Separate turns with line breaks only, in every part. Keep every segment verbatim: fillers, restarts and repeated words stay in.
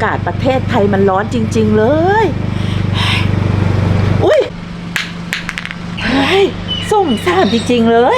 ากาศประเทศไทยมันร้อนจริงๆเลยอุ้ยเฮ้ยส้มซ่ามจริงๆเลย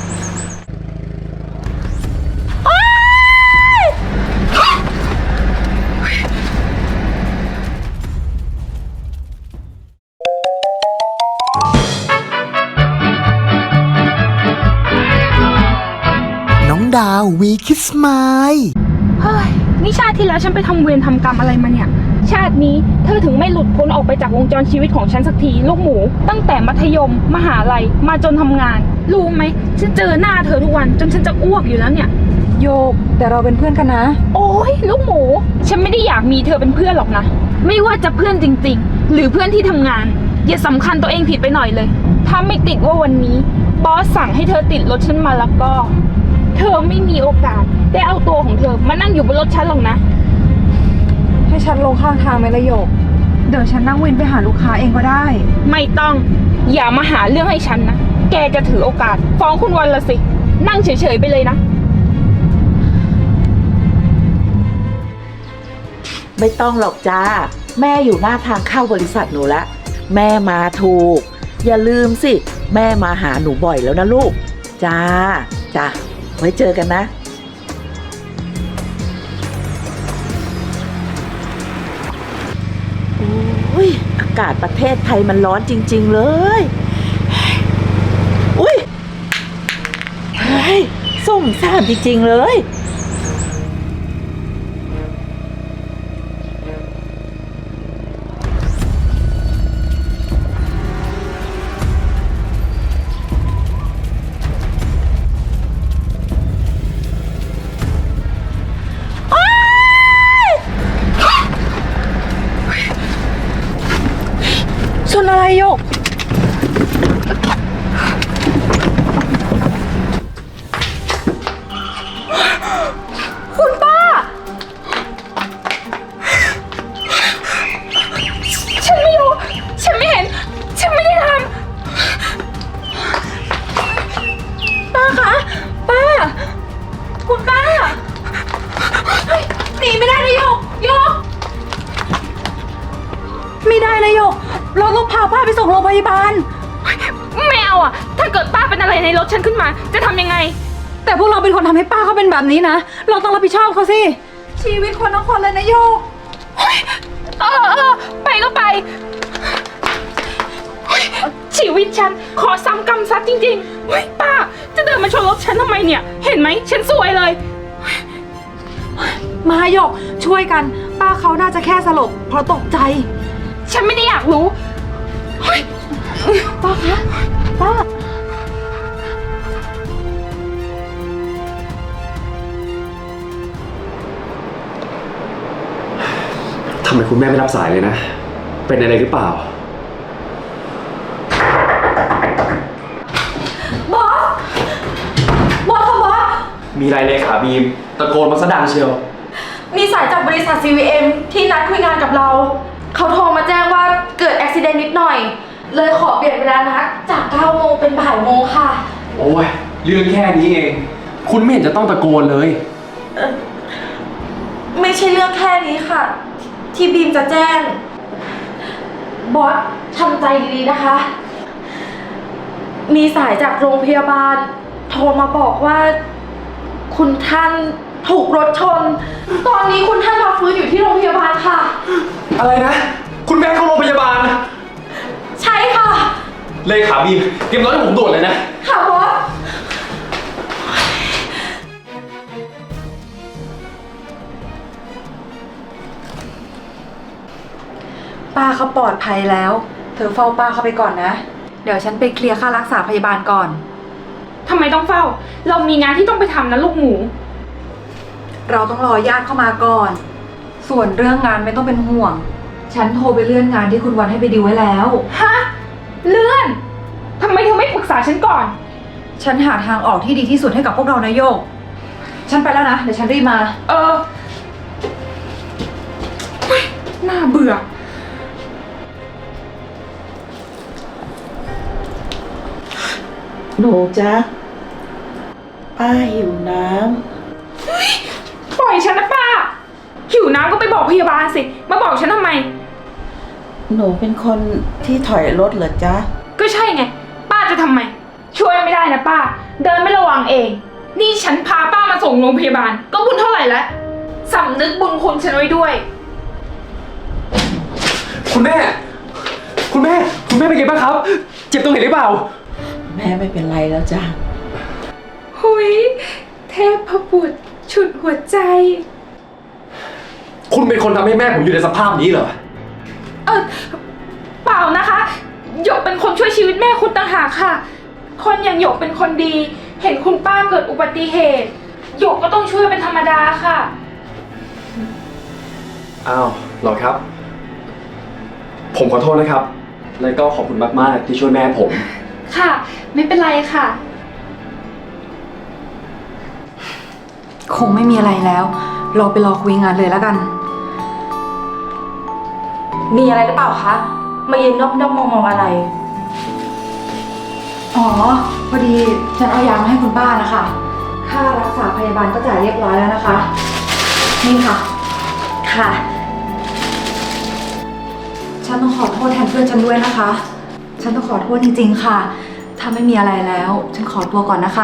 น้องดาววีคิสไมล์
เฮ้ยนี่ชาติที่แล้วฉันไปทำเวรทำกรรมอะไรมาเนี่ยชาตินี้เธอถึงไม่หลุดพ้นออกไปจากวงจรชีวิตของฉันสักทีลูกหมูตั้งแต่มัธยมมหาลัยมาจนทำงานรู้ไหมฉันเจอหน้าเธอทุกวันจนฉันจะอ้วกอยู่แล้วเนี่ย
โยกแต่เราเป็นเพื่อนกันนะ
โอ้ยลูกหมูฉันไม่ได้อยากมีเธอเป็นเพื่อนหรอกนะไม่ว่าจะเพื่อนจริงๆหรือเพื่อนที่ทำงานอย่าสำคัญตัวเองผิดไปหน่อยเลยถ้าไม่ติดว่าวันนี้บอสสั่งให้เธอติดรถฉันมาแล้วก็เธอไม่มีโอกาสได้เอาตัวของเธอมานั่งอยู่บนรถฉันหรอกนะ
ให้ฉันลงข้างทางไหมละโยกเดี๋ยวฉันนั่งวินไปหาลูกค้าเองก็ได้
ไม่ต้องอย่ามาหาเรื่องให้ฉันนะแกจะถือโอกาสฟ้องคุณวันละสินั่งเฉยๆไปเลยนะ
ไม่ต้องหรอกจ้าแม่อยู่หน้าทางเข้าบริษัทหนูละแม่มาถูกอย่าลืมสิแม่มาหาหนูบ่อยแล้วนะลูกจ้าจ้าไว้เจอกันนะโอ้ยอากาศประเทศไทยมันร้อนจริงๆเลยอุ้ยเฮ้ยส้มซ่ามจริงๆเลย
ชนอะไรโยกคุณป้า
ฉันไม่รู้ฉันไม่เห็นฉันไม่ได้ทำ
ป้าคะป้าคุณป้าหนีไม่ได้นะโยกโยกไม่ได้นะโยกเราต้องพาป้าไปส่งโรงพยาบาล
ไม่เอาอ่ะถ้าเกิดป้าเป็นอะไรในรถฉันขึ้นมาจะทำยังไง
แต่พวกเราเป็นคนทำให้ป้าเขาเป็นแบบนี้นะเราต้องรับผิดชอบเขาสิชีวิตคนทั้งคนเลยนะโยก
เออเออไปก็ไปชีวิตฉันขอซ้ำกรรมซัดจริงๆป้าจะเดินมาชนรถฉันทำไมเนี่ยเห็นไหมฉันสวยเลย
มาโยกช่วยกันป้าเขาน่าจะแค่สลบเพราะตกใจ
ฉันไม่ได้อยากรู้
ป้าคะป้า
ทำไมคุณแม่ไม่รับสายเลยนะเป็นอะไรหรือเปล่า
บอสบอสค่ะบอส
มีไรเลยขาบีมตะโกนมาซะดังเชียว
มีสายจากบริษัท ซี วี เอ็ม ที่นัดคุยงานกับเราเขาโทรมาแจ้งว่าเกิดอุบัติเหตุนิดหน่อยเลยขอเปลี่ยนเวลานัดจากเก้าโมงเป็นบ่ายโมงค่ะ
โอ้ยเรื่องแค่นี้เองคุณไม่เห็นจะต้องตะโกนเลย
เออไม่ใช่เรื่องแค่นี้ค่ะที่บีมจะแจ้งบอสทำใจดีๆนะคะมีสายจากโรงพยาบาลโทรมาบอกว่าคุณท่านถูกรถชนตอนนี้คุณท่านพักฟื้นอยู่ที่โรงพยาบาลค่ะ
อะไรนะคุณแม่เข้าโรงพยาบาล
ใช่ค่ะ
เลขาบีมเตรียมรถให้ผมด่วนเลยนะ
ค่ะบอส
ป้าเขาปลอดภัยแล้วเธอเฝ้าป้าเขาไปก่อนนะเดี๋ยวฉันไปเคลียร์ค่ารักษาพยาบาลก่อน
ทำไมต้องเฝ้าเรามีงานที่ต้องไปทำนะลูกหมู
เราต้องรอญาติเข้ามาก่อนส่วนเรื่องงานไม่ต้องเป็นห่วงฉันโทรไปเลื่อนงานที่คุณวันให้ไปดิวไว้แล้ว
ฮะเลื่อนทำไมเธอไม่ปรึกษาฉันก่อน
ฉันหาทางออกที่ดีที่สุดให้กับพวกเรานะโยกฉันไปแล้วนะเดี๋ยวฉันรีบมา
เออน่าเบื่อ
หนูจ๊ะป้าหิวน้ำ
ปล่อยฉันนะป้าหิวน้ำก็ไปบอกพยาบาลสิ มาบอกฉันทำไม
หนูเป็นคนที่ถอยรถเหรอจ๊ะ
ก็ใช่ไง ป้าจะทำไม ช่วยไม่ได้นะป้า เดินไม่ระวังเอง นี่ฉันพาป้ามาส่งโรงพยาบาล ก็บุญเท่าไหร่แล้วสำนึกบุญคุณฉันไว้ด้วย
คุณแม่ คุณแม่ คุณแม่เป็นไงบ้างครับ เจ็บตรงไหนหรือเปล่า
แม่ไม่เป็นไรแล้วจ้ะ
หุยเทพบุตรฉุดหัวใจ
คุณเป็นคนทำให้แม่ผมอยู่ในสภาพนี้เหรอ
เออเปล่านะคะหยกเป็นคนช่วยชีวิตแม่คุณต่างหากค่ะ คนอย่างหยกเป็นคนดี เห็นคุณป้าเกิดอุบัติเหตุหยกก็ต้องช่วยเป็นธรรมดาค่ะ
อ้าวเหรอครับ ผมขอโทษนะครับ แล้วก็ขอบคุณมากๆที่ช่วยแม่ผม
ค่ะ ไม่เป็นไรค่ะ
คงไม่มีอะไรแล้ว เราไปรอคุยงานเลยแล้วกัน
มีอะไรหรือเปล่าคะ มายืนด้อมๆมองๆอะไร
อ๋อ พอดีฉันเอายามาให้คุณป้านะคะ ค่ารักษาพยาบาลก็จ่ายเรียบร้อยแล้วนะคะ นี่ค่ะ
ค่ะ
ฉันต้องขอโทษแทนเพื่อนฉันด้วยนะคะ ฉันต้องขอโทษจริงๆค่ะ ถ้าไม่มีอะไรแล้ว ฉันขอตัวก่อนนะคะ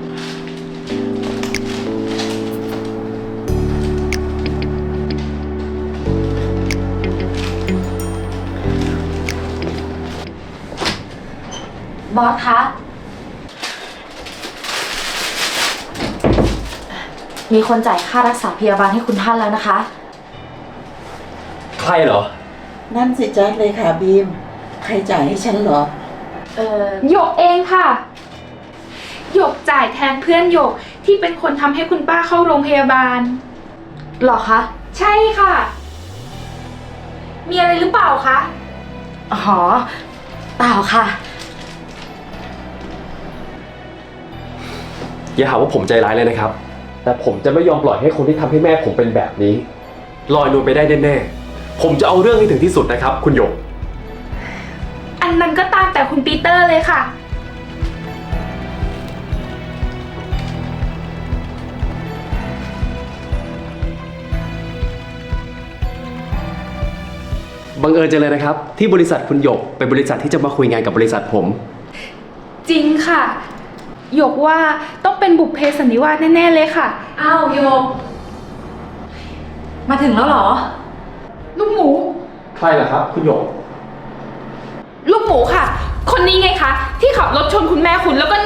บอสคะ มีคนจ่ายค่ารักษาพยาบาลให้คุณท่านแล้วนะคะ
ใครเหรอ
นั่นสิจ๊ะเลยค่ะบีม ใครจ่ายให้ฉันเหรอ
เออ
หยกเองค่ะหยกจ่ายแทนเพื่อนหยกที่เป็นคนทำให้คุณป้าเข้าโรงพยาบาล
หรอคะ
ใช่ค่ะ มีอะไรหรือเปล่าคะ
อ๋อ เปล่าค่ะ
อย่าหาว่าผมใจร้ายเลยนะครับ แต่ผมจะไม่ยอมปล่อยให้คนที่ทำให้แม่ผมเป็นแบบนี้ลอยนวลไปได้แน่ๆผมจะเอาเรื่องให้ถึงที่สุดนะครับ คุณหยก
อันนั้นก็ตามแต่คุณปีเตอร์เลยค่ะ
บังเอิญจังเลยนะครับ ที่บริษัทคุณหยกเป็นบริษัทที่จะมาคุยงานกับบริษัทผม
จริงค่ะหยกว่าต้องเป็นบุพเพสันนิวาสแน่ๆเลยค่ะ
อ้าวโยม มาถึงแล้วเหรอ
ลูกหมู
ใครล่ะครับ คุณหยก
ลูกหมูค่ะ คนนี้ไงคะ ที่ขับรถชนคุณแม่คุณแล้วก็หนี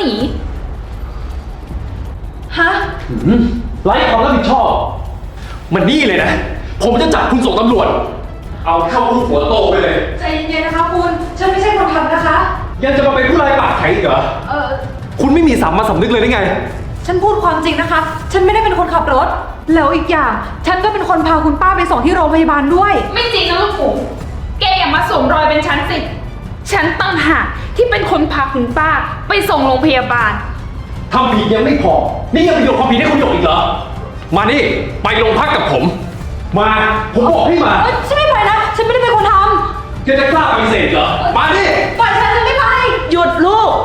ฮะ
หืมไร้ความรับผิดชอบ มันนี่เลยนะ ผมจะจับคุณส่งตำรวจ เอาเข้าคุกหัวโตไปเลย
ใจเย็นๆนะคะคุณ ฉันไม่ใช่คนทำนะคะ
ยังจะมาเป็นผู้ร้ายปากแข็งอีกเหรอ
เออ
คุณไม่มีสามัญสำนึกเลยได้ไง
ฉันพูดความจริงนะคะ ฉันไม่ได้เป็นคนขับรถ แล้วอีกอย่าง ฉันก็เป็นคนพาคุณป้าไปส่งที่โรงพยาบาลด้วย
ไม่จริงนะลูกหมู แกอย่ามาสวมรอยเป็นฉันสิ ฉันตั้งหากที่เป็นคนพาคุณป้าไปส่งโรงพยาบาล
ทำผิดยังไม่พอ นี่ยังไปโยนความผิดให้คุณหยกอีกเหรอ มานี่ ไปโรงพักกับผม มา ผมบอกให้มา
เอ้ยฉันไม่ไปนะ ฉันไม่ได้เป็นคนท
แกจะกล้าปฏิเสธเหรอ มานี่
ำปล่อยฉันฉันไม่ไป
หยุดลูก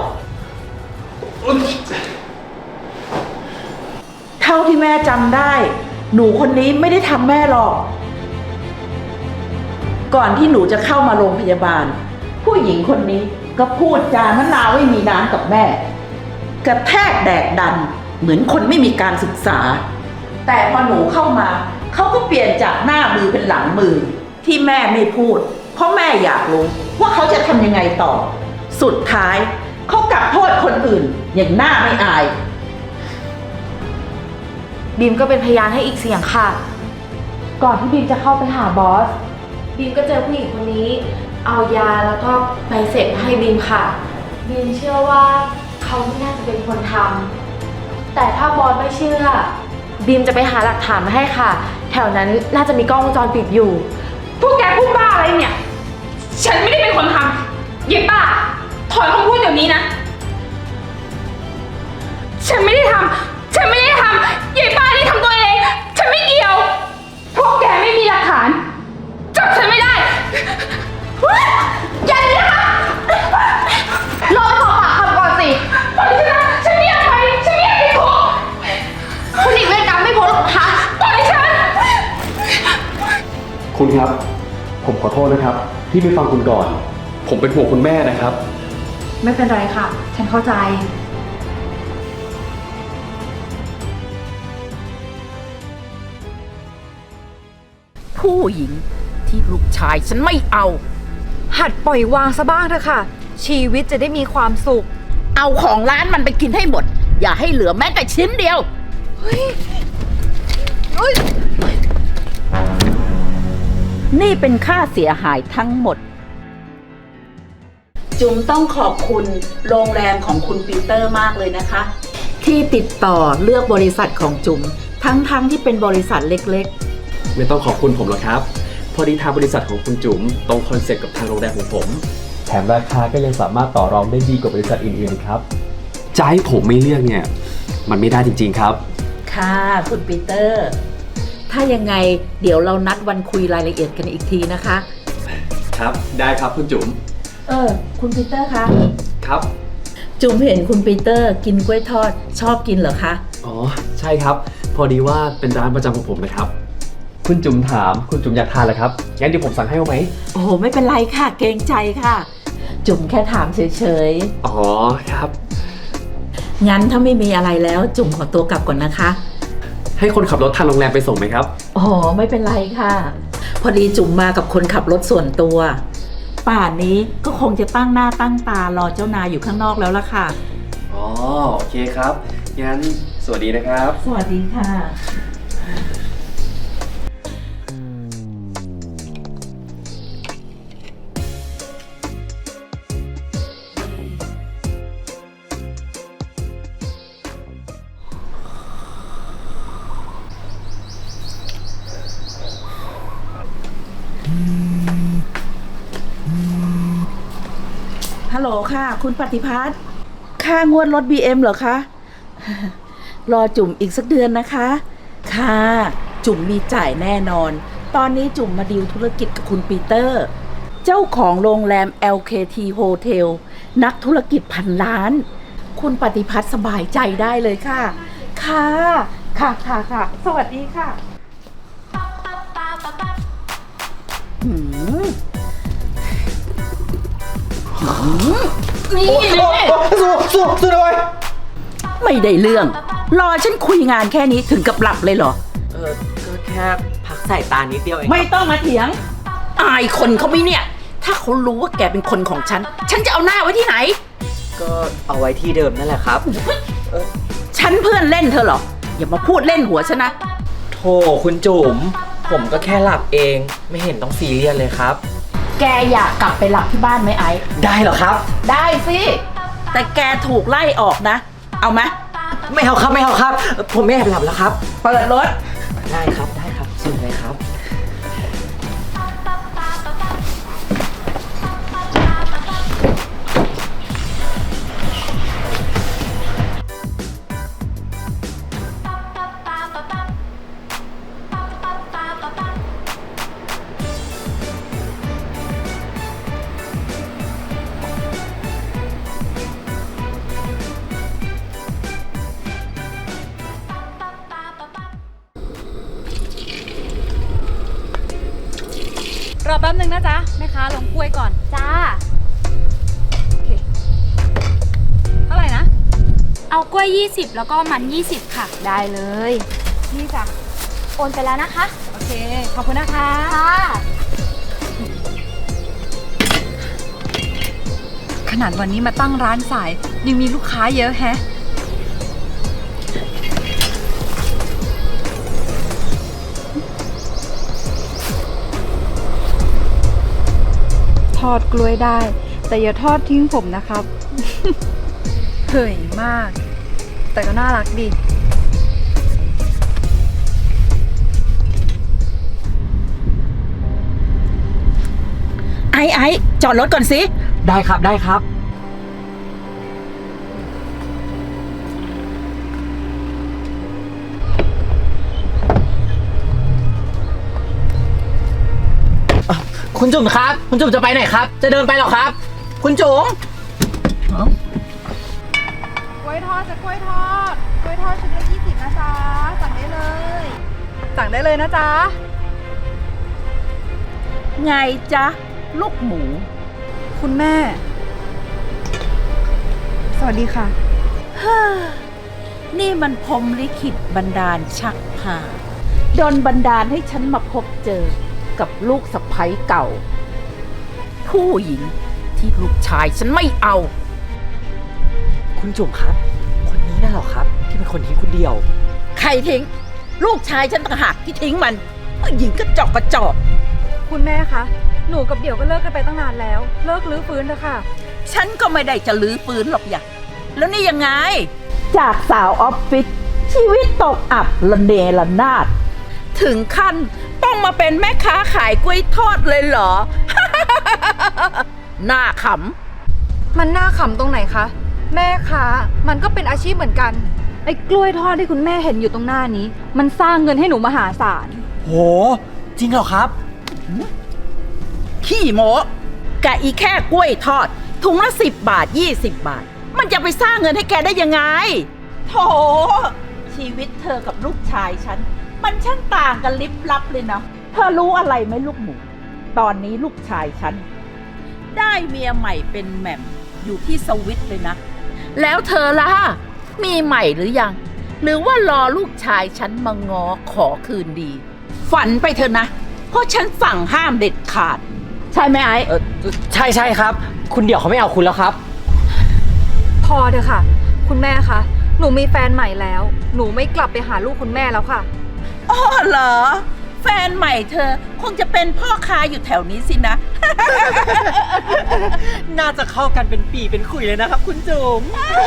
เท่าที่แม่จำได้ หนูคนนี้ไม่ได้ทำแม่หรอก ก่อนที่หนูจะเข้ามาโรงพยาบาล ผู้หญิงคนนี้ก็พูดจามะนาวไม่มีน้ำกับแม่ กระแทกแดกดัน เหมือนคนไม่มีการศึกษา แต่พอหนูเข้ามาเขาก็เปลี่ยนจากหน้ามือเป็นหลังมือ ที่แม่ไม่พูด เพราะแม่อยากรู้ว่าเขาจะทำยังไงต่อ สุดท้ายเขากลับโทษคนอื่น อย่างหน้าไม่อาย
บีมก็เป็นพยานให้อีกเสียงค่ะ ก่อนที่บีมจะเข้าไปหาบอส บีมก็เจอผู้หญิงคนนี้ เอายาแล้วก็ใบเสร็จมาให้บีมค่ะ บีมเชื่อว่าเขาไม่น่าจะเป็นคนทำ แต่ถ้าบอสไม่เชื่อ บีมจะไปหาหลักฐานมาให้ค่ะ แถวนั้นน่าจะมีกล้องวงจรปิดอยู่
พวกแกพูดบ้าอะไรเนี่ย ฉันไม่ได้เป็นคนทำเย็บป้า ถอนคำพูดเดี๋ยวนี้นะ ฉันไม่ได้ทำ ฉันไม่ได้ทำเย็บป้านี่ทำตัวเอง ฉันไม่เกี่ยว พวกแกไม่มีหลักฐาน จับฉันไม่ได้อย่าเลยนะคะรอไปขอปากคำก่อนสิปล่อยฉันนะฉันไม่อยากไป ฉันไม่อยากติดคุกคุณหนีเวรกรรมไม่พ้นหรอกนะคะปล่อยฉัน
คุณครับ ผมขอโทษนะครับ ที่ไม่ฟังคุณก่อน ผมเป็นห่วงคุณแม่นะครับ
ไม่เป็นไรค่ะ ฉันเข้าใจ
ผู้หญิงที่ลูกชายฉันไม่เอา
หัดปล่อยวางซะบ้างเถอะค่ะ ชีวิตจะได้มีความสุข
เอาของร้านมันไปกินให้หมด อย่าให้เหลือแม้แต่ชิ้นเดียว นี่เป็นค่าเสียหายทั้งหมด จุ๋มต้องขอบคุณโรงแรมของคุณปีเตอร์มากเลยนะคะ ที่ติดต่อเลือกบริษัทของจุ๋มทั้งๆทที่เป็นบริษัทเล็ก
ไม่ต้องขอบคุณผมหรอกครับ พอดีทางบริษัทของคุณจุ๋มตรงคอนเซ็ปต์กับทางโรงแรมของผม แถมราคาก็ยังสามารถต่อรองได้ดีกว่าบริษัทอื่นๆครับจะให้ผมไม่เลือกเนี่ย มันไม่ได้จริงๆครับ
ๆ ค่ะคุณปีเตอร์ ถ้ายังไงเดี๋ยวเรานัดวันคุยรายละเอียดกันอีกทีนะคะ
ครับ ได้ครับคุณจุ๋ม
เออ คุณปีเตอร์คะ
ครับ
จุ๋มเห็นคุณปีเตอร์กินกล้วยทอดชอบกินเหรอคะ
อ๋อ ใช่ครับ พอดีว่าเป็นร้านประจำของผมนะครับ คุณจุ๋มถามคุณจุ๋มอยากทานเหรอครับงั้นเดี๋ยวผมสั่งให้เอาไหม
โอ้โหไม่เป็นไรค่ะ เกรงใจค่ะ จุ๋มแค่ถามเฉย
อ๋อครับ
ๆ งั้นถ้าไม่มีอะไรแล้ว จุ๋มขอตัวกลับก่อนนะคะ
ให้คนขับรถทางโรงแรมไปส่งไหมครับ
โอ้โหไม่เป็นไรค่ะ พอดีจุ๋มมากับคนขับรถส่วนตัว ป่านนี้ก็คงจะตั้งหน้าตั้งตารอเจ้านายอยู่ข้างนอกแล้วล่ะค่ะ
อ๋อ โอเคครับ งั้นสวัสดีนะครับ
สวัสดีค่ะ ฮัลโหลค่ะ คุณปฏิพัฒน์ค่างวดรถ บี เอ็ม เหรอคะ รอจุ๋มอีกสักเดือนนะคะ ค่ะ จุ๋มมีจ่ายแน่นอน ตอนนี้จุ๋มมาดีลธุรกิจกับคุณปีเตอร์ เจ้าของโรงแรม แอล เค ที Hotel นักธุรกิจพันล้าน คุณปฏิพัฒน์สบายใจได้เลยค่ะ ค่ะ ค่ะค่ะค่ะ สวัสดีค่ะหืมนี่
สู้สู้สู้ด้วย
ไม่ได้เรื่อง รอฉันคุยงานแค่นี้ถึงกับหลับเลยเหรอ
เออ ก็แค่พักสายตานิดเดียวเอง
ไม่ต้องมาเถียง อายคนเขาไหม่เนี่ย ถ้าเขารู้ว่าแกเป็นคนของฉัน ฉันจะเอาหน้าไว้ที่ไหน
ก็เอาไว้ที่เดิมนั่นแหละครับ
ฉันเพื่อนเล่นเธอเหรอ อย่ามาพูดเล่นหัวฉันนะ
โธ่คุณจุ๋ม ผมก็แค่หลับเอง ไม่เห็นต้องซีเรียสเลยครับ
แกอยากกลับไปหลับที่บ้านไหมไอ้
ได้เหรอครับ
ได้สิ แต่แกถูกไล่ออกนะ เอาไหม
ไม่เอาครับไม่เอาครับ ผมไม่แอบหลับแล้วครับ
เปิดรถ
ได้ครับได้ครับเชิญเลยครับ
รอแป๊บนึงนะจ๊ะ แม่ค้าลงกล้วยก่อน
จ้า
โอเค เท่าไหร่นะ
เอากล้วยยี่สิบแล้วก็มันยี่สิบค่ะ
ได้เลย นี่จ้ะ
โอนไปแล้วนะคะ
โอเค ขอบคุณนะคะ
ค่ะ
ขนาดวันนี้มาตั้งร้านสาย ยังมีลูกค้าเยอะแฮะ ทอดกล้วยได้ แต่อย่าทอดทิ้งผมนะครับ เฮ้ยมาก แต่ก็น่ารักดี
ไอ้ไอ้จอดรถก่อนสิ
ได้ครับได้ครับ คุณจุ๋มครับ คุณจุ๋มจะไปไหนครับ จะเดินไปหรอครับ คุณจุ๋ม
กล้วยทอดจะกล้วยทอด กล้วยทอดชุดละยี่สิบนะจ๊ะ สั่งได้เลย สั่งได้เลยนะจ๊ะ
ไงจ๊ะ ลูกหมู
คุณแม่ สวัสดีค่ะ
ฮ่านี่มันพรหมลิขิตบันดาลชักพาดนบันดาลให้ฉันมาพบเจอกับลูกสะใภ้เก่า ผู้หญิงที่ลูกชายฉันไม่เอา
คุณจุ๋มครับ คนนี้น่ะเหรอครับ ที่เป็นคนทิ้งคุณเดียว
ใครทิ้ง ลูกชายฉันต่างหากที่ทิ้งมันผู้หญิงก็จอกกระจอก
คุณแม่คะ หนูกับเดี่ยวก็เลิกกันไปตั้งนานแล้ว เลิกลื้อฟื้นเถอะค่ะ
ฉันก็ไม่ได้จะลื้อฟื้นหรอกอย่าแล้วนี่ยังไง จากสาวออฟฟิศชีวิตตกอับระเนระนาด ถึงขั้นต้องมาเป็นแม่ค้าขายกล้วยทอดเลยเหรอ หน้าข
มันน่าขำตรงไหนคะ แม่ค้ามันก็เป็นอาชีพเหมือนกัน ไอ้กล้วยทอดที่คุณแม่เห็นอยู่ตรงหน้านี้ มันสร้างเงินให้หนูมหาศาล
โห จริงเหรอครับ
ำขี้โมกะอีแค่กล้วยทอด ถุงละสิบบาทยี่สิบบาท มันจะไปสร้างเงินให้แกได้ยังไงโถชีวิตเธอกับลูกชายฉัน มันช่างต่างกันลิบลับเลยนะเธอรู้อะไรไหมลูกหมู ตอนนี้ลูกชายฉัน ได้เมียใหม่เป็นแหม่มอยู่ที่สวิตเลยนะ แล้วเธอล่ะ มีใหม่หรือยัง หรือว่ารอลูกชายฉันมางอขอคืนดี ฝันไปเถอะนะ เพราะฉันสั่งห้ามเด็ดขาด ใช่ไหมไอ้
เออใช่ใช่ครับ คุณเดี่ยวเขาไม่เอาคุณแล้วครับ
พอเถอะค่ะ คุณแม่คะ หนูมีแฟนใหม่แล้ว หนูไม่กลับไปหาลูกคุณแม่แล้วค่ะ
อ๋อเหรอ แฟนใหม่เธอคงจะเป็นพ่อค้าอยู่แถวนี้สินะ
น่าจะเข้ากันเป็นปีเป็นขุยเลยนะครับ คุณจุ๋ม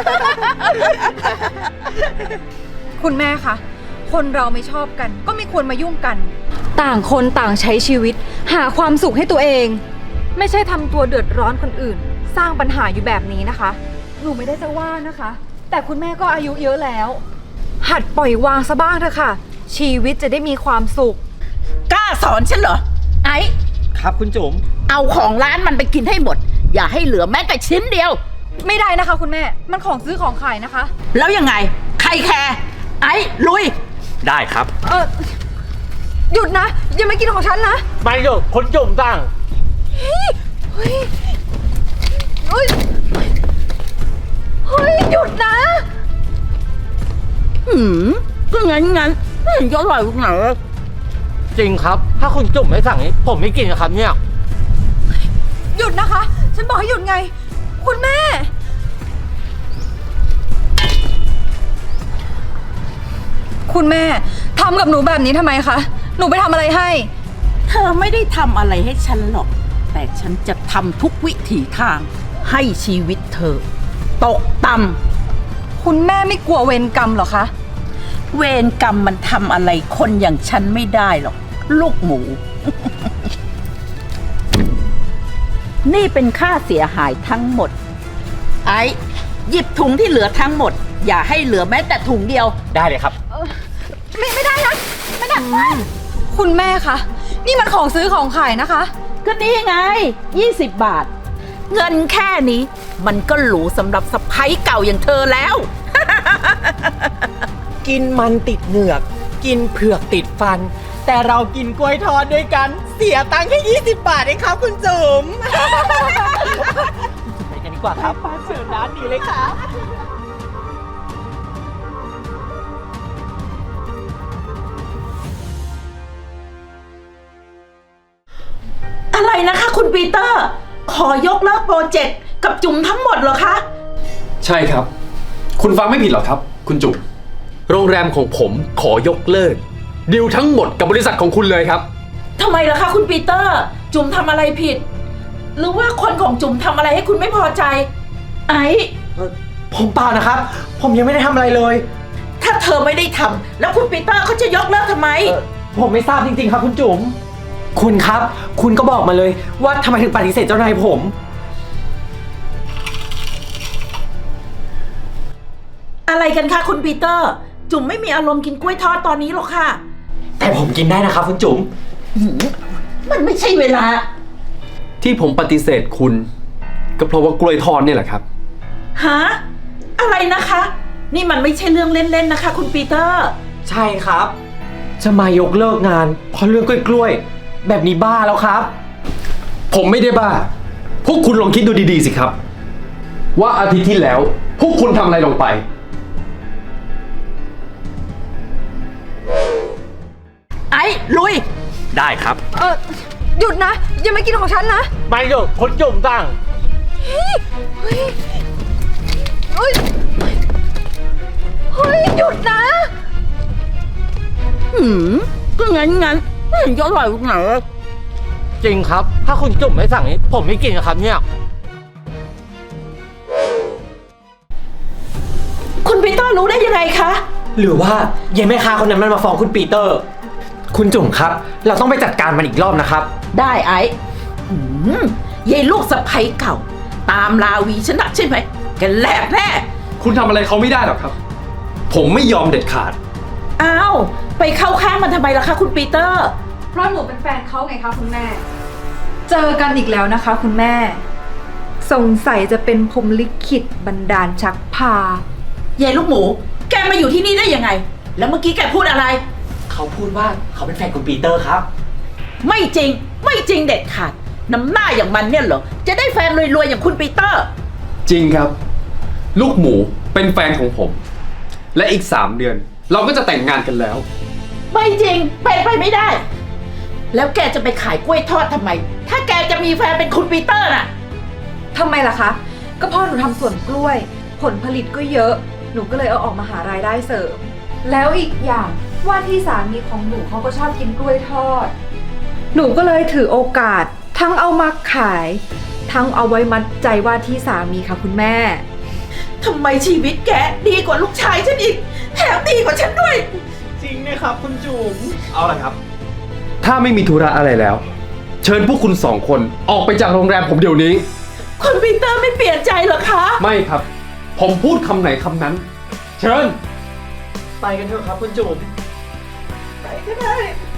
คุณแม่คะ คนเราไม่ชอบกัน ก็ไม่ควรมายุ่งกัน ต่างคนต่างใช้ชีวิต หาความสุขให้ตัวเอง ไม่ใช่ทำตัวเดือดร้อนคนอื่น สร้างปัญหาอยู่แบบนี้นะคะ หนูไม่ได้จะว่านะคะ แต่คุณแม่ก็อายุเยอะแล้ว หัดปล่อยวางซะบ้างเถอะค่ะ ชีวิตจะได้มีความสุข
กล้าสอนฉันเหรอ ไอ้
ครับคุณจุ๋ม
เอาของร้านมันไปกินให้หมด อย่าให้เหลือแม้แต่ชิ้นเดียว
ไม่ได้นะคะ คุณแม่ มันของซื้อของขายนะคะ
แล้วยังไง ใครแคร์ไอ้ลุย
ได้ครับ
เออหยุดนะ อย่ามากินของฉันนะ
ไม่เดี๋ยวคุณจุ๋มสั่ง
เฮ้ย เฮ้ย เฮ้ย เฮ้ย หยุดนะ
หืมก็งั้นงั้นไม่เห็นจะอร่อยตรงไหนเลย
จริงครับ ถ้าคุณจุ๋มไม่สั่งนี้ผมไม่กินนะครับเนี่ย
หยุดนะคะ ฉันบอกให้หยุดไง คุณแม่ คุณแม่ทำกับหนูแบบนี้ทำไมคะ หนูไปทำอะไรให้
เธอไม่ได้ทำอะไรให้ฉันหรอก แต่ฉันจะทำทุกวิถีทาง ให้ชีวิตเธอ ตกต่ำ
คุณแม่ไม่กลัวเวรกรรมเหรอคะ
เวรกรรมมันทำอะไรคนอย่างฉันไม่ได้หรอก ลูกหมู นี่เป็นค่าเสียหายทั้งหมด ไอ้หยิบถุงที่เหลือทั้งหมด อย่าให้เหลือแม้แต่ถุงเดียว
ได้เลยครับ
ไม่ไม่ได้นะ ไม่ได้คุณแม่คะ นี่มันของซื้อของขายนะคะ
ก็นี่ไงยี่สิบบาท เงินแค่นี้ มันก็หรูสำหรับสะใภ้เก่าอย่างเธอแล้ว
กินมันติดเหงือก กินเผือกติดฟัน แต่เรากินกล้วยทอดด้วยกัน เสียตังค์แค่ยี่สิบบาทเองครับคุณจุ๋ม ไปกันดีกว่าครับมาเชิญร้านนี้เลยครับ
อะไรนะคะคุณปีเตอร์ ขอยกเลิกโปรเจกต์กับจุ๋มทั้งหมดเหรอคะ
ใช่ครับ คุณฟังไม่ผิดหรอกครับ คุณจุ๋มโรงแรมของผมขอยกเลิกดีลทั้งหมดกับบริษัทของคุณเลยครับ
ทำไมล่ะคะคุณปีเตอร์ จุ๋มทำอะไรผิด หรือว่าคนของจุ๋มทำอะไรให้คุณไม่พอใจ ไอ้
ผมเปล่านะครับ ผมยังไม่ได้ทำอะไรเลย
ถ้าเธอไม่ได้ทำแล้วคุณปีเตอร์เขาจะยกเลิกทำไม
เอ่อผมไม่ทราบจริงๆครับคุณจุ๋ม คุณครับ คุณก็บอกมาเลยว่าทำไมถึงปฏิเสธเจ้านายผม
อะไรกันคะคุณปีเตอร์ จุ๋มไม่มีอารมณ์กินกล้วยทอดตอนนี้หรอกค่ะ
แต่ผมกินได้นะครับคุณจุ๋ม
หืมมันไม่ใช่เวลา
ที่ผมปฏิเสธคุณ ก็เพราะว่ากล้วยทอดเนี่ยแหละครับ
ฮะ อะไรนะคะ นี่มันไม่ใช่เรื่องเล่นๆนะคะ คุณปีเตอร์
ใช่ครับ จะมายกเลิกงานเพราะเรื่องกล้วยๆแบบนี้บ้าแล้วครับ
ผมไม่ได้บ้า พวกคุณลองคิดดูดีๆสิครับ ว่าอาทิตย์ที่แล้ว พวกคุณทำอะไรลงไป
ไอ้ลุย
ได้ครับ
เออหยุดนะ อย่ามากินของฉันนะ
ไม่หรอกคุณจุ๋มสั่ง
เฮ้ย เฮ้ย เฮ้ย หยุดนะ
หืมก็งั้นงั้นไม่เห็นจะอร่อยตรงไหนเลย
จริงครับ ถ้าคุณจุ๋มไม่สั่งนี้ผมไม่กินนะครับเนี่ย
คุณปีเตอร์รู้ได้ยังไงคะ
หรือว่ายายแม่ค้าคนนั้นมันมาฟ้องคุณปีเตอร์ คุณจุ๋มครับ เราต้องไปจัดการมันอีกรอบนะครับ
ได้ไอ้หืมยายลูกสะใภ้เก่า ตามลาวีฉันนักใช่ไหมแกแหลกแน่
คุณทำอะไรเขาไม่ได้หรอกครับ ผมไม่ยอมเด็ดขาด
อ้าว ไปเข้าข้างมันทำไมล่ะคะคุณปีเตอร์
เพราะหนูเป็นแฟนเขาไงคะคุณแม่ เจอกันอีกแล้วนะคะคุณแม่ สงสัยจะเป็นพรหมลิขิตบันดาลชักพา
ยายลูกหมู แกมาอยู่ที่นี่ได้ยังไง แล้วเมื่อกี้แกพูดอะไร
เขาพูดว่าเขาเป็นแฟนคุณปีเตอร์ครับ
ไม่จริง ไม่จริงเด็ดขาด น้ำหน้าอย่างมันเนี่ยเหรอ จะได้แฟนรวยๆอย่างคุณปีเตอร์
จริงครับ ลูกหมูเป็นแฟนของผม และอีกสามเดือน เราก็จะแต่งงานกันแล้ว
ไม่จริง เป็นไปไม่ได้ แล้วแกจะไปขายกล้วยทอดทำไม ถ้าแกจะมีแฟนเป็นคุณปีเตอร์น่ะ
ทำไมล่ะคะ ก็พ่อหนูทำสวนกล้วย ผลผลิตก็เยอะ หนูก็เลยเอาออกมาหารายได้เสริม แล้วอีกอย่างว่าที่สามีของหนูเขาก็ชอบกินกล้วยทอด หนูก็เลยถือโอกาส ทั้งเอามาขาย ทั้งเอาไว้มัดใจว่าที่สามีค่ะคุณแม่
ทำไมชีวิตแกดีกว่าลูกชายฉันอีก แถมดีกว่าฉันด้วย
จริงนะครับคุณจุ๋ม
เอาละครับ ถ้าไม่มีธุระอะไรแล้ว เชิญพวกคุณสองคนออกไปจากโรงแรมผมเดี๋ยวนี้
คุณปีเตอร์ไม่เปลี่ยนใจเหรอคะ
ไม่ครับ ผมพูดคำไหนคำนั้น เชิญ
ไปกันเถอะครับคุณจุ๋ม
ไปก็ได้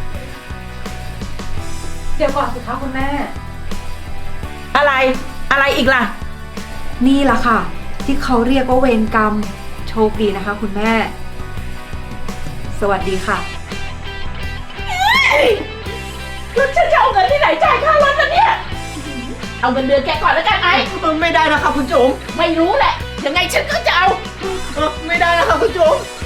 เดี๋ยวก่อนสิคะคุณแม่
อะไร อะไรอีกล่ะ
นี่ล่ะค่ะ ที่เขาเรียกว่าเวรกรรม โชคดีนะคะคุณแม่ สวัสดีค่ะ
แล้วฉันจะเอาเงินที่ไหนจ่ายค่ารถล่ะเนี่ย เอาเงินเดือนแกก่อนแล้วกันไอ้
ไม่ได้นะครับคุณจุ๋ม
ไม่รู้แหละ ยังไงฉันก็จะเอา
ไม่ได้นะครับคุณจุ๋ม